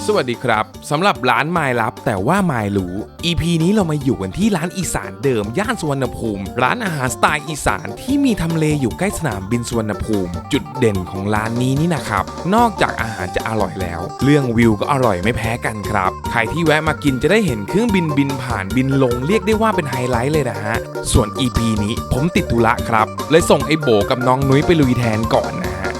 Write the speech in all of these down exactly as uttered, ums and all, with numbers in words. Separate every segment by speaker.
Speaker 1: สวัสดีครับสำหรับร้านไมล์ลับแต่ว่าไมล์รู้ อี พี นี้เรามาอยู่กันที่ร้านอีสานเดิมย่านสุวรรณภูมิร้านอาหารสไตล์อีสานที่มีทำเลอยู่ใกล้สนามบินสุวรรณภูมิจุดเด่นของร้านนี้นี่นะครับนอกจากอาหารจะอร่อยแล้วเรื่องวิวก็อร่อยไม่แพ้กันครับใครที่แวะมากินจะได้เห็นเครื่องบินบินผ่านบินลงเรียกได้ว่าเป็นไฮไลท์เลยนะฮะส่วน อี พี นี้ผมติดธุระครับเลยส่งไอ้โบกับน้องนุ้ยไปลุยแทนก่อนนะฮะ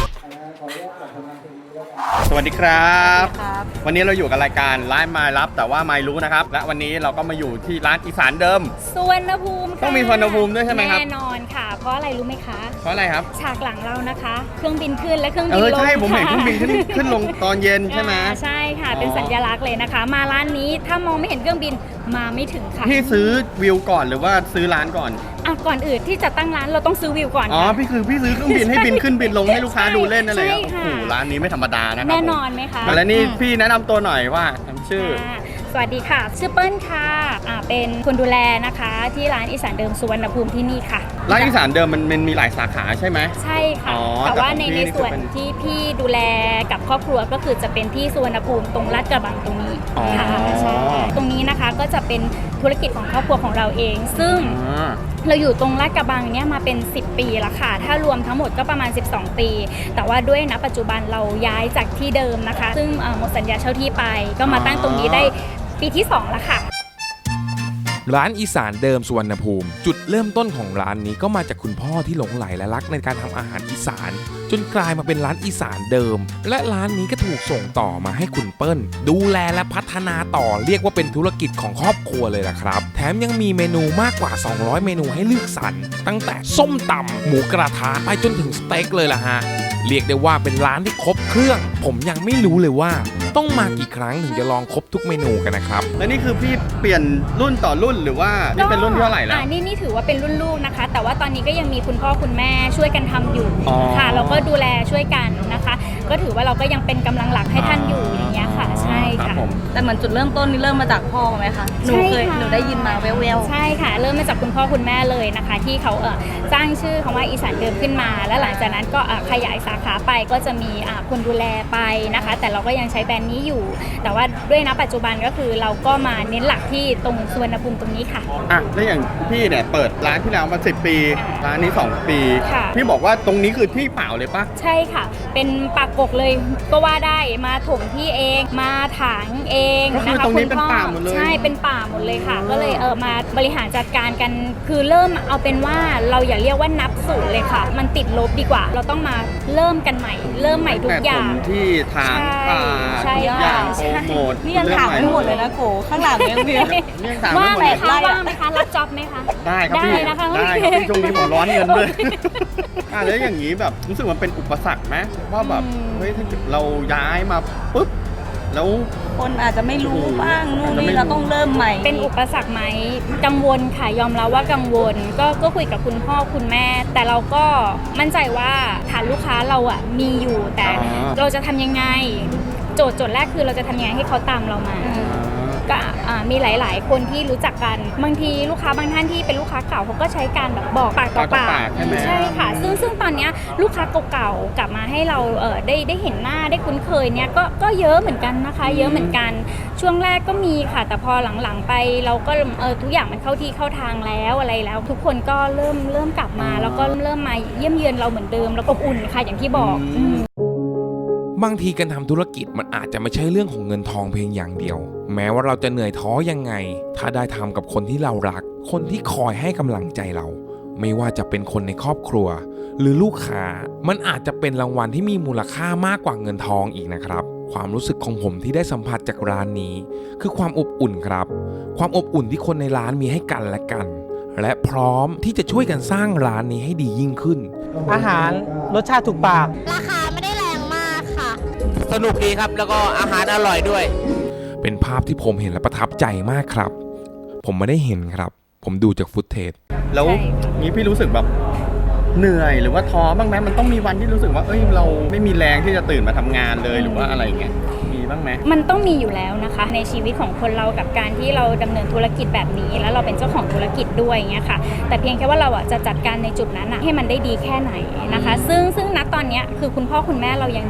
Speaker 2: สวัสดีครับวันนี้เราอยู่กับรายการร้านไมล์ลับแต่ว่าไมล์รู้นะครับและวันนี้เราก็มาอยู่ที่ร้านอีสานเดิม
Speaker 3: สุวรรณภูมิ
Speaker 2: ต้องมีสุวรรณภูมิด้วยใช่ไหมครับ
Speaker 3: แน่นอนค่ะเพราะอะไรรู้ไหมคะ
Speaker 2: เพราะอะไรครับ
Speaker 3: ฉากหลังเรานะคะเครื่องบินขึ้นและเครื่องบินลง
Speaker 2: เออใช่ผมเห็นเครื่องบินขึ้นขึ้นลงตอนเย็นใช่ไหม
Speaker 3: ใช่ค่ะเป็นสัญลักษณ์เลยนะคะมาร้านนี้ถ้ามองไม่เห็นเครื่องบินมาไม่ถึงค่ะ
Speaker 2: พี่ซื้อวิวก่อนหรือว่าซื้อร้านก่อน
Speaker 3: อ่ะก่อนอื่นที่จะตั้งร้านเราต้องซื้อวิวก่อน
Speaker 2: อ๋อพี่คือพี่ซื้อเครื่องบินให้บินขึ้นบินลงให้ลูกค้าดูเล่นนั่นเลยโอ้โหร้านนี้ไม่ธรรมดานะครับ
Speaker 3: แน่นอนไหมคะ
Speaker 2: แล้วนี่พี่แนะนำตัวหน่อยว่าชื่อ
Speaker 3: สวัสดีค่ะชื่อเปิ้ลค่ะอ่าเป็นคนดูแลนะคะที่ร้านอีสานเดิมสุวรรณภูมิที่นี่ค่ะ
Speaker 2: ร้านอีสานเดิมมันมันมีหลายสาขาใช่ไหม
Speaker 3: ใช่ค่ะแต่ว่าในในส่วนที่พี่ดูแลกับครอบครัวก็คือจะเป็นที่สุวรรณภูมิตรงลาดกระบังตรงนี้ค่ะใช่ตรงนี้นะคะก็จะเป็นธุรกิจของครอบครัวของเราเองซึ่งเราอยู่ตรงลาดกระบังเนี่ยมาเป็นสิบปีแล้วค่ะถ้ารวมทั้งหมดก็ประมาณสิบสองปีแต่ว่าด้วยณปัจจุบันเราย้ายจากที่เดิมนะคะซึ่งหมดสัญญาเช่าที่ไปก็มาตั้งตรงนี้ได้ปีที่สองแล้วค่ะ
Speaker 1: ร้านอีสานเดิมสุวรรณภูมิจุดเริ่มต้นของร้านนี้ก็มาจากคุณพ่อที่หลงใหลและรักในการทำอาหารอีสานจนกลายมาเป็นร้านอีสานเดิมและร้านนี้ก็ถูกส่งต่อมาให้คุณเปิ้ลดูแลและพัฒนาต่อเรียกว่าเป็นธุรกิจของครอบครัวเลยล่ะครับแถมยังมีเมนูมากกว่าสองร้อยเมนูให้เลือกสรรตั้งแต่ส้มตำหมูกระทะไปจนถึงสเต็กเลยล่ะฮะเรียกได้ว่าเป็นร้านที่ครบเครื่องผมยังไม่รู้เลยว่าต้องมากี่ครั้งถึงจะลองครบทุกเมนูกันนะครับ
Speaker 2: และนี่คือพี่เปลี่ยนรุ่นต่อรุ่นหรือว่านี่เป็นรุ่นที่เท่าไหร่แล้ว
Speaker 3: อ่านี่นี่ถือว่าเป็นรุ่นลูกนะคะแต่ว่าตอนนี้ก็ยังมีคุณพ่อคุณแม่ช่วยกันทำอยู่ค่ะแล้วก็ดูแลช่วยกันนะคะก็ถือว่าเราก็ยังเป็นกำลังหลักให้ท่านอยู่อย่างเงี้ยค่ะใช่ค่ะ
Speaker 4: แต่เหมือนจุดเริ่มต้นนี่เริ่มมาจากพ่อไหมคะหนูเคยหนูได้ยินมาแว่ว
Speaker 3: ๆใช่ค่ะเริ่มมาจากคุณพ่อคุณแม่เลยนะคะที่เขาเออสร้างชื่อคำว่าอีสานเดิมขึ้นมาแล้วหลังจากนั้นก็ขยายสาขาไปก็จะมีคนดูแลไปนะคะแต่เราก็ยังใช้แบรนด์นี้อยู่แต่ว่าด้วยณปัจจุบันก็คือเราก็มาเน้นหลักที่ตรงสุวรรณภูมิตรงนี้ค่ะ
Speaker 2: อ่ะแล้วอย่างพี่เนี่ยเปิดร้านที่แล้วมาสิบปีร้านนี้สองปีพี่บอกว่าตรงนี้คือที่เปล่าเลยปะ
Speaker 3: ใช่ค่ะเป็นปากกกเลยก็ว่าได้มาถมที่เองมาถางเอง
Speaker 2: ก็คือตรงนี้เป็นป่าหมดเลย
Speaker 3: ใช่เป็นป่าหมดเลยค่ะก็เลยเออมาบริหารจัดการกันคือเริ่มเอาเป็นว่าเราอย่าเรียกว่านับศูนย์เลยค่ะมันติดลบดีกว่าเราต้องมาเริ่มกันใหม่เริ่มใหม่ทุกอย่าง
Speaker 2: ที่ทางป่าทุกอย่างโปรโมท
Speaker 4: นี่ยังถามไม่หมดเลยนะโกข้างหลังยังมี
Speaker 3: ว่างไหมคะว่างไหมคะรับจ็อบไหมคะ
Speaker 2: ได้ครับพี่ได้ครับพี่ช่วงนี้ผมร้อนเงินด้วยอ่ะแล้วอย่างนี้แบบรู้สึกมันเป็นอุปสรรคไหมว่าแบบเฮ้ยถ้าเราย้ายมาปุ๊บแล้ว
Speaker 4: คนอาจจะไม่รู้บ้างนู่นนี่เราต้องเริ่มใหม่
Speaker 3: เป็นอุปสรรคไหมกังวลค่ะยอมรับว่ากังวลก็ก็คุยกับคุณพ่อคุณแม่แต่เราก็มั่นใจว่าฐานลูกค้าเราอ่ะมีอยู่แต่เราจะทำยังไงโจทย์โจทย์แรกคือเราจะทำยังไงให้เขาตามเรามาก็มีหลายๆคนที่รู้จักกันบางทีลูกค้าบางท่านที่เป็นลูกค้าเก่าเขาก็ใช้การแบบบอกปากต่อปากใช่ค่ะซึ่งซึ่งตอนนี้ลูกค้าเก่าๆกลับมาให้เราเออได้ได้เห็นหน้าได้คุ้นเคยเนี่ยก็ก็เยอะเหมือนกันนะคะเยอะเหมือนกันช่วงแรกก็มีค่ะแต่พอหลังๆไปเราก็เออทุกอย่างมันเข้าที่เข้าทางแล้วอะไรแล้วทุกคนก็เริ่มเริ่มกลับมาแล้วก็เริ่มมาเยี่ยมเยือนเราเหมือนเดิมแล้วก็อุ่นค่ะอย่างที่บอก
Speaker 1: บางทีการทำธุรกิจมันอาจจะไม่ใช่เรื่องของเงินทองเพียงอย่างเดียวแม้ว่าเราจะเหนื่อยท้อยังไงถ้าได้ทำกับคนที่เรารักคนที่คอยให้กำลังใจเราไม่ว่าจะเป็นคนในครอบครัวหรือลูกค้ามันอาจจะเป็นรางวัลที่มีมูลค่ามากกว่าเงินทองอีกนะครับความรู้สึกของผมที่ได้สัมผัสจากร้านนี้คือความอบอุ่นครับความอบอุ่นที่คนในร้านมีให้กันและกันและพร้อมที่จะช่วยกันสร้างร้านนี้ให้ดียิ่งขึ้น
Speaker 5: อาหารรสชาติถูกปาก
Speaker 6: ราคาไม่ได้แรงมากค่ะ
Speaker 5: สนุกดีครับแล้วก็อาหารอร่อยด้วย
Speaker 1: เป็นภาพที่ผมเห็นและประทับใจมากครับผมไม่ได้เห็นครับผมดูจากฟุตเทจ
Speaker 2: แล้วนี้พี่รู้สึกแบบเหนื่อยหรือว่าท้อบ้างไหมมันต้องมีวันที่รู้สึกว่าเอ้ยเราไม่มีแรงที่จะตื่นมาทำงานเลยหรือว่าอะไรเงี้ยมีบ้างไหม
Speaker 3: มันต้องมีอยู่แล้วนะคะในชีวิตของคนเรากับการที่เราดำเนินธุรกิจแบบนี้แล้วเราเป็นเจ้าของธุรกิจด้วยเงี้ยค่ะแต่เพียงแค่ว่าเราอ่ะจะจัดการในจุดนั้นอ่ะให้มันได้ดีแค่ไหนนะคะซึ่งซึ่งณตอนนี้คือคุณพ่อคุณแม่เรายังอยู่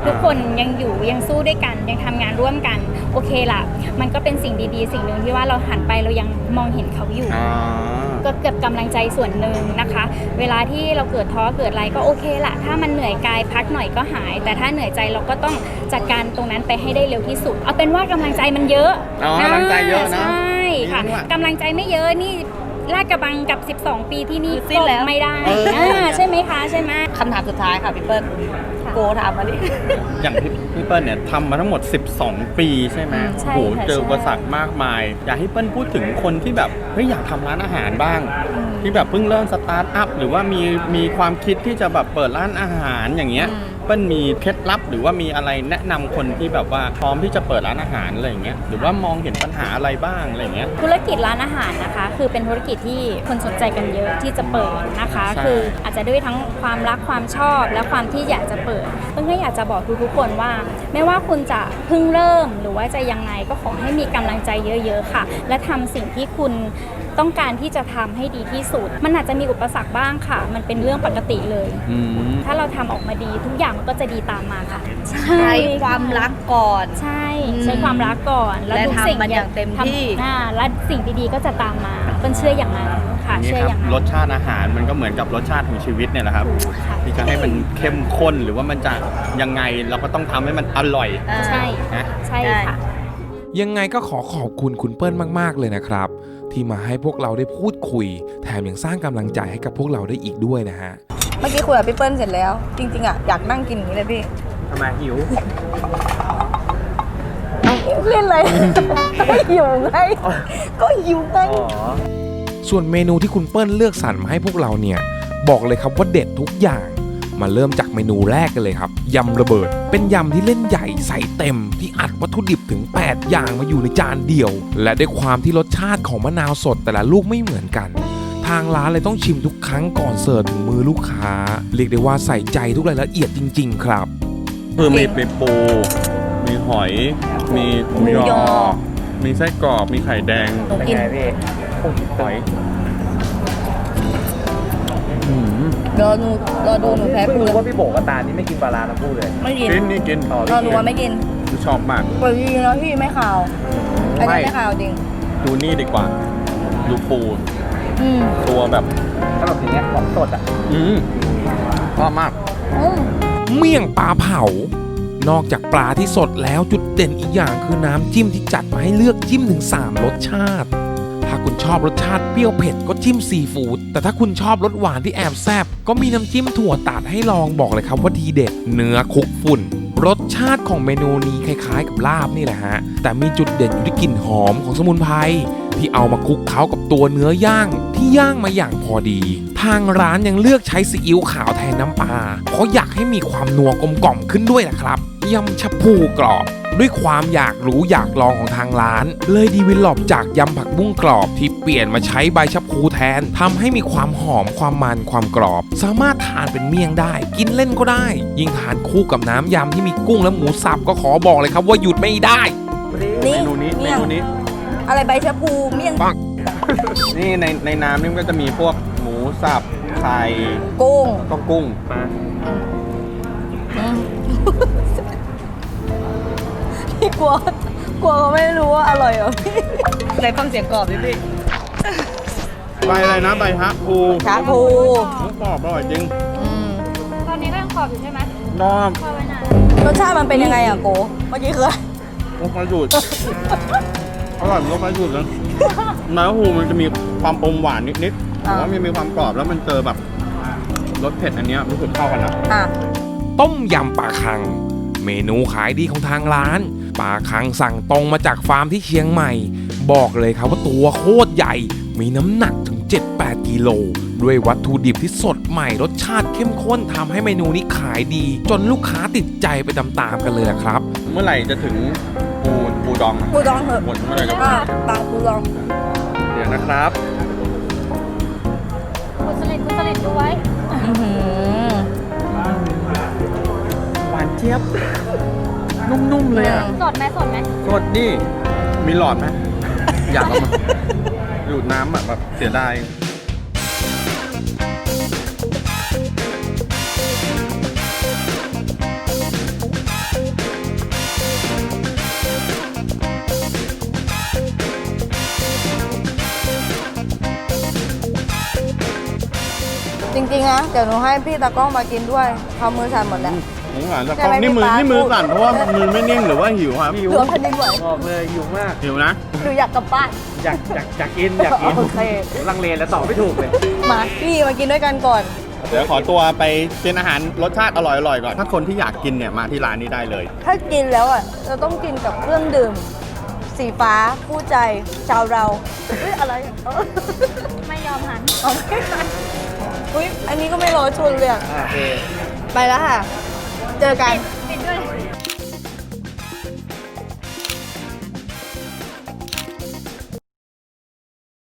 Speaker 3: ทุกคนยังอยู่ยังสู้ด้วยกันยังทำงานร่วมกันโอเคล่ะมันก็เป็นสิ่งดีๆสิ่งหนึ่งที่ว่าเราหันไปเรายังมองเห็นเขาอยู่
Speaker 2: อ่า
Speaker 3: ก็เก็บกำลังใจส่วนหนึ่งนะคะ เวลาที่เราเกิดท้อเกิดอะไรก็โอเคละถ้ามันเหนื่อยกายพักหน่อยก็หาย แต่ถ้าเหนื่อยใจเราก็ต้องจัดการตรงนั้นไปให้ได้เร็วที่สุด เอาเป็นว่ากำลังใจมันเยอะ
Speaker 2: อ๋อกำลังใจเยอะนะ
Speaker 3: ใช่ค่ะ
Speaker 2: นี่ด้วย
Speaker 3: กำลังใจไม่เยอะนี่ลาดกระบังกับ สิบสอง ปีที่นี่
Speaker 4: สิ้นแล้ว
Speaker 3: ก็ไม่ได้
Speaker 2: เอออ่
Speaker 3: าใช่ไหมคะใช่ไหม
Speaker 4: คำถามสุดท้ายค่ะพี่เปิ้ลโกถามมาดิ
Speaker 2: อย่างพี่พี่เปิ้ลเนี่ยทำมาทั้งหมด สิบสอง ปีใช่ไหม
Speaker 3: ใช่
Speaker 2: โห
Speaker 3: ค่ะ
Speaker 2: เจออุปสรรคมากมาย อยากให้เปิ้ลพูดถึงคนที่แบบเฮ้ยอยากทำร้านอาหารบ้าง ที่แบบเพิ่งเริ่มสตาร์ทอัพหรือว่ามีมีความคิดที่จะแบบเปิดร้านอาหารอย่างเงี้ย
Speaker 4: อืม
Speaker 2: เปิ้ลมีเคล็ดลับหรือว่ามีอะไรแนะนำคนที่แบบว่าพร้อมที่จะเปิดร้านอาหารอะไรอย่างเงี้ยหรือว่ามองเห็นปัญหาอะไรบ้างอะไรอย่างเงี้ย
Speaker 3: ธุรกิจร้านอาหารนะคะ คือเป็นธุรกิจที่คนสนใจกันเยอะที่จะเปิดนะคะ
Speaker 2: ใช่
Speaker 3: คืออาจจะด้วยทั้งความรักความชอบและความที่อยากจะเปิดเพิ่งก็อยากจะบอกทุกๆคนว่า ไม่ว่าคุณจะเพิ่งเริ่มหรือว่าจะยังไงก็ขอให้มีกำลังใจเยอะๆค่ะ และทำสิ่งที่คุณต้องการที่จะทำให้ดีที่สุด มันอาจจะมีอุปสรรคบ้างค่ะ มันเป็นเรื่องปกติเลย
Speaker 2: อืม
Speaker 3: ถ้าเราทำออกมาดีทุกอย่างมันก็จะดีตามมาค่ะ
Speaker 4: ใช้ความรักก่อน
Speaker 3: ใช่
Speaker 4: อืม
Speaker 3: ใช้ความรักก่อน
Speaker 4: และ
Speaker 3: ทุกสิ่ง
Speaker 4: ทำมันอย่างเต็มที่
Speaker 3: ทำอ่าและสิ่งดีๆก็จะตามมาเปิ้ลเชื่ออย่างนั้นค่ะ
Speaker 2: นี่
Speaker 3: เชื่อ
Speaker 2: ค
Speaker 3: อ
Speaker 2: รับ
Speaker 3: ย่างนั้น
Speaker 2: รสชาติอาหารมันก็เหมือนกับรสชาติของชีวิตเนี่ยแหละครับ
Speaker 3: ค่ะ
Speaker 2: ที่จะให้มันเข้มข้นหรือว่ามันจะยังไงเราก็ต้องทำให้มันอร่อย
Speaker 4: อ่า
Speaker 3: ใช่
Speaker 2: นะ
Speaker 3: ใช่ค่ะ
Speaker 1: ยังไงก็ขอขอบคุณคุณเปิ้ลมากๆเลยนะครับ ที่มาให้พวกเราได้พูดคุย แถมยังสร้างกำลังใจให้กับพวกเราได้อีกด้วยนะฮะ
Speaker 7: เมื่อกี้คุยกับพี่เปิ้ลเสร็จแล้ว จริงๆอ่ะอยากนั่งกินอย่างนี้เลยพี่
Speaker 5: ทำไมหิว
Speaker 7: เล่นเลย ก็หิวไงก็หิวไง
Speaker 1: ส่วนเมนูที่คุณเปิ้ลเลือกสรรมาให้พวกเราเนี่ย บอกเลยครับว่าเด็ดทุกอย่าง มาเริ่มจากเมนูแรกกันเลยครับยำระเบิด เป็นยำที่เล่นใหญ่ใส่เต็ม ที่อัดวัตถุดิบถึง แปด อย่างมาอยู่ในจานเดียว และด้วยความที่รสชาติของมะนาวสดแต่ละลูกไม่เหมือนกัน ทางร้านเลยต้องชิมทุกครั้งก่อนเสิร์ฟถึงมือลูกค้า เรียกได้ว่าใส่ใจทุกรายละเอียดจริง ๆ ครับ
Speaker 2: คือมีมีปู มีหอย มีหมู
Speaker 7: หมู
Speaker 2: ย
Speaker 7: ย
Speaker 2: อ
Speaker 7: อ
Speaker 2: มีไส้กรอก มีไข่แดง
Speaker 7: หนูกิน
Speaker 2: หอย
Speaker 7: รอหนูรอดูหนูแพ้
Speaker 5: เพิ่ง
Speaker 7: ปู
Speaker 5: รู้ว่าพี่โบกับตานี่ไม่กินปลาร้าทั้งคู่เลย
Speaker 7: ไม่กิน
Speaker 2: กินนี่กิน
Speaker 5: อ๋อ
Speaker 7: รอหนูว่าไม่กิน
Speaker 2: ชอบมาก
Speaker 7: ปล่อยจริงๆแล้วพี่ไม่ขาวอันนี้
Speaker 2: ไม่
Speaker 7: ไม่ขาวจริง
Speaker 2: ดูนี่ดีกว่า ดูปู
Speaker 7: อืม
Speaker 2: ตัวแบบ
Speaker 5: ถ้าแบบอย่างเงี้ยของสดอ่ะ
Speaker 2: อืมชอบมาก
Speaker 7: อืม
Speaker 1: เมี่ยงปลาเผา นอกจากปลาที่สดแล้วจุดเด่นอีกอย่างคือน้ำจิ้มที่จัดมาให้เลือกจิ้มถึง สาม รสชาติ ถ้าคุณชอบรสชาติเปรี้ยวเผ็ดก็จิ้มซีฟู้ด แต่ถ้าคุณชอบรสหวานที่แอบแซ่บก็มีน้ำจิ้มถั่วตัดให้ลองบอกเลยครับว่าดีเด็ด เนื้อคลุกฝุ่น รสชาติของเมนูนี้คล้ายๆกับลาบนี่แหละฮะ แต่มีจุดเด่นอยู่ที่กลิ่นหอมของสมุนไพรที่เอามาคลุกเคล้ากับตัวเนื้อย่างที่ย่างมาอย่างพอดี ทางร้านยังเลือกใช้ซีอิ๊วขาวแทนน้ำปลาเพราะอยากให้มีความนัวกลมกล่อมขึ้นด้วยนะครับยำชะพูกรอบ ด้วยความอยากรู้อยากลองของทางร้าน เลยดีวิลลอปจากยำผักบุ้งกรอบที่เปลี่ยนมาใช้ใบชะพูแทนทำให้มีความหอมความมันความกรอบ สามารถทานเป็นเมี่ยงได้ กินเล่นก็ได้ ยิ่งทานคู่กับน้ำยำที่มีกุ้งและหมูสับก็ขอบอกเลยครับว่าหยุดไม่ได้
Speaker 2: เมนูนี้ เม
Speaker 7: เมี่ยง
Speaker 2: นูนี้
Speaker 7: อะไรใบชะพูเมี่ยง
Speaker 1: ปัง
Speaker 2: นี่ในในน้ำนี่มันก็จะมีพวกหมูสับ ไข่
Speaker 7: กุ้ง
Speaker 2: แล้วก็กุ้ง
Speaker 7: อืม พี่กลัวกลัวเขาไม่รู้ว่าอร่อยเหรอพี่
Speaker 4: ไหนฟังเสียงกรอบดิพี่
Speaker 2: ใบอะไรนะ ใบฮะปู
Speaker 7: ชาพู
Speaker 2: หมูกรอบอร่อยจริง
Speaker 7: อืม
Speaker 3: ตอนนี้ก็ยังขอบอยู่ใช่ไหม
Speaker 2: นอม
Speaker 3: ขอบไว้นาน
Speaker 7: รสชาติมันเป็นยังไงอ่ะโกเมื่อกี้คืออะไร
Speaker 2: รสไม้ดูด อร่อยรสไม้ดูดเลยไม้หูมันจะมีความอมหวานนิดๆแต่ว่ามันมีความกรอบแล้วมันเจอแบบรสเผ็ดอันเนี้ยรู้สึกเข้ากันนะ
Speaker 7: อ่ะ
Speaker 1: ต้มยำปลาคัง เมนูขายดีของทางร้านปลาคังสั่งตรงมาจากฟาร์มที่เชียงใหม่ บอกเลยครับว่าตัวโคตรใหญ่ มีน้ำหนักถึง เจ็ดแปด กิโล ด้วยวัตถุดิบที่สดใหม่รสชาติเข้มข้นทำให้เมนูนี้ขายดี จนลูกค้าติดใจไปตามๆกันเลยครับ
Speaker 2: เมื่อไหร่จะถึงปูปูดองอะ
Speaker 7: ปูดองเถอะ
Speaker 2: หมดเมื่อไหร่จะ
Speaker 7: อ่ะบางปูดอง
Speaker 2: เดี๋ยวนะครับ
Speaker 3: คุณสลิดคุณสลิดดูไว้
Speaker 7: อื้อหือ
Speaker 2: หวานเจี๊ยบ นุ่มๆเลยอ่ะ
Speaker 3: สดไหมสดไหม
Speaker 2: สดนี่ มีหลอดไหม อยากเอามาดูดน้ำอ่ะแบบเสียดาย
Speaker 7: จริงๆนะเดี๋ยวหนูให้พี่ตากล้องมากินด้วยเขามือสั่นหมดแล้ว
Speaker 2: สงสารแต่
Speaker 7: ใช่ไหม
Speaker 2: นี่มือ
Speaker 7: พี่ป๊า
Speaker 2: นี่มือสั่นเพราะว่ามือไม่นิ่งหรือว่าหิวครับ
Speaker 5: หิว
Speaker 7: เหลือแผ่นดินไหว
Speaker 5: บอกเลยหิวมาก
Speaker 2: หิวนะ
Speaker 7: หนูอยากกลับบ้าน
Speaker 5: อยากอยากอยากกินอยากกิน
Speaker 7: โอเค
Speaker 5: ลังเลแล้วตอบไม่ถูกเลย
Speaker 7: มาพี่มากินด้วยกันก่อน
Speaker 2: เดี๋ยวขอตัวไปกินอาหารรสชาติอร่อยๆก่อน ถ้าคนที่อยากกินเนี่ยมาที่ร้านนี้ได้เลย
Speaker 7: ถ้ากินแล้วอ่ะเราต้องกินกับเครื่องดื่ม สีฟ้าคู่ใจชาวเราเฮ้ยอะไรเออ
Speaker 3: ไม่ยอมหัน
Speaker 7: เอาไม่ทันอุ้ยอันนี้ก็ไม่รอชนเลยอะ
Speaker 5: โอเค
Speaker 7: ไปแล้วค่ะ เจอกัน